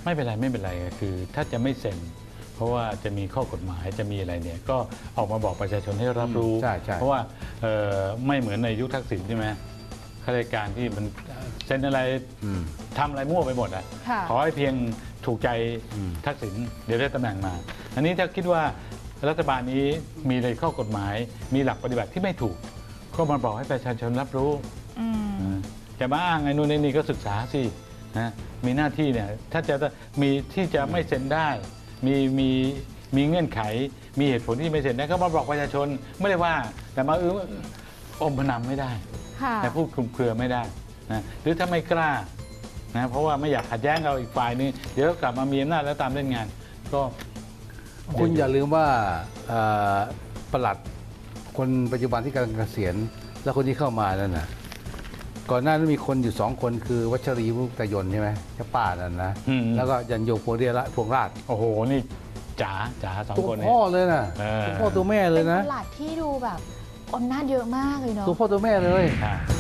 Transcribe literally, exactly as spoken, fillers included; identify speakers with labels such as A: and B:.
A: ไม่เป็นไรไม่เป็นไรคือถ้าจะไม่เซ็นเพราะว่าจะมีข้อกฎหมายจะมีอะไรเนี่ยก็ออกมาบอกประชาชนให้รับรู้
B: ใช่ใช่
A: เพราะว่าเอ่อไม่เหมือนในยุคทักษิณใช่ไหมข้าราชการที่มันเซ็นอะไร
B: อืม
A: ทำอะไรมั่วไปหมดอ่ะ
C: ค่ะ
A: ขอให้เพียงถูกใจ
B: อืม
A: ทักษิณเดี๋ยวได้ตำแหน่งมา อันนี้ถ้าคิดว่ารัฐบาลนี้มีในข้อกฎหมาย มีหลักปฏิบัติที่ไม่ถูกก็มาบอกให้ประชาชนรับรู้
C: อืม
A: จะมาอ้างไอ้นู่นไอ้นี่ก็ศึกษาสินะมีหน้าที่เนี่ยถ้าจะมีที่จะไม่เซ็นได้ มีมีมีเงื่อนไข มีเหตุผลที่ไม่เซ็นได้ก็มาบอกประชาชนไม่ได้ว่า แต่มาเอออมพนำไม่ได้
C: ค่ะ
A: แต่พูดคลุมเครือไม่ได้นะหรือถ้าไม่กล้านะเพราะว่าไม่อยากขัดแย้งเราอีกฝ่ายนึงเดี๋ยวกลับมามีอำนาจแล้วตามเล่นงาน ก็
B: คุณอย่าลืมว่าเอ่อประหลัดคนปัจจุบันที่กำลังเกษียณแล้วคนที่เข้ามานั่นน่ะก่อนหน้านั้นมีคนอยู่สองคนคือวัชรีมุกตยนต์ใช่ไหมเจ้าป้านั่นนะ
A: อืม
B: แล้วก็ยันโยงพวงเรียละพวงราช
A: โอ้โหนี่จ๋าจ๋าสอง
B: ตัว
A: คนเนี่ย
B: พ่อเลยนะ
A: เออ
B: ตัวพ่อตัวแม่เลยนะ
C: เป็นตลาดที่ดูแบบอำนาจเยอะมากเลยเนาะ
B: ตัวพ่อตัวแม่เลย
A: อ่า